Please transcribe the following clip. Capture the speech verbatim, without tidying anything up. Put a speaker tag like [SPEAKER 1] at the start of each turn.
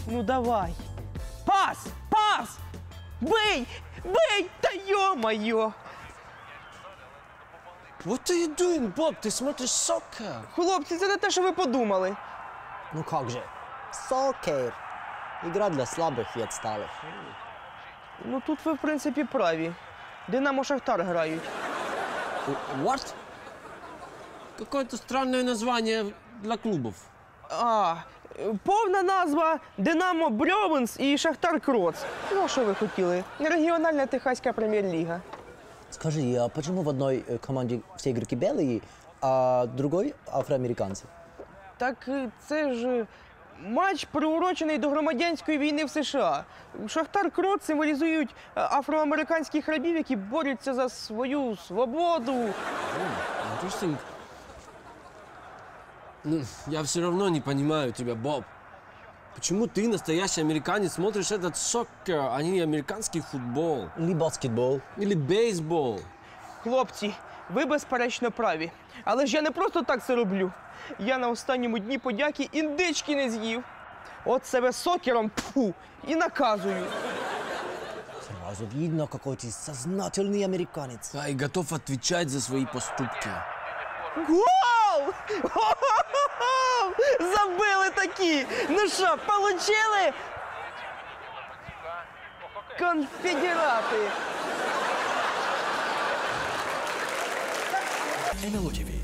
[SPEAKER 1] Ну давай. Пас! Пас! Бий! Бий! Та йо-моє!
[SPEAKER 2] What are you doing, Bob? Ти смотриш soccer.
[SPEAKER 1] Хлопці, це не те, що ви подумали.
[SPEAKER 3] Ну как же? Сокер. Игра для слабых и отсталых.
[SPEAKER 1] Ну тут ви, в принципі, праві. Динамо Шахтар грають.
[SPEAKER 2] What? Какое-то странное название для клубов.
[SPEAKER 1] А, повна назва Динамо Брьовенс і Шахтар Кроц. Ну, а що ви хотіли? Регіональна Техаська прем'єр-ліга.
[SPEAKER 3] Скажи, а почему в одной э, команде все игроки белые, а в другой афроамериканцы?
[SPEAKER 1] Так е, це ж матч, приурочений до громадянської війни в США. Шахтар Кроц символізують е, афроамериканських рабів, які борються за свою свободу.
[SPEAKER 2] Interesting. Ну, я все равно не понимаю тебя, Боб. Почему ты, настоящий американец, смотришь этот сокер, а не американский футбол?
[SPEAKER 3] Или баскетбол?
[SPEAKER 2] Или бейсбол?
[SPEAKER 1] Хлопці, ви безперечно праві. Але ж я не просто так це роблю. Я на останньому дні подяки індички не з'їв. От себе сокером пфу, і наказую.
[SPEAKER 3] Сразу видно, какой ты сознательный американец.
[SPEAKER 2] Да, и готов отвечать за свои поступки.
[SPEAKER 1] Гол! Хо-хо-хо! Забили такі! Ну що, получили? Конфедерати!
[SPEAKER 4] ен ел о ті ві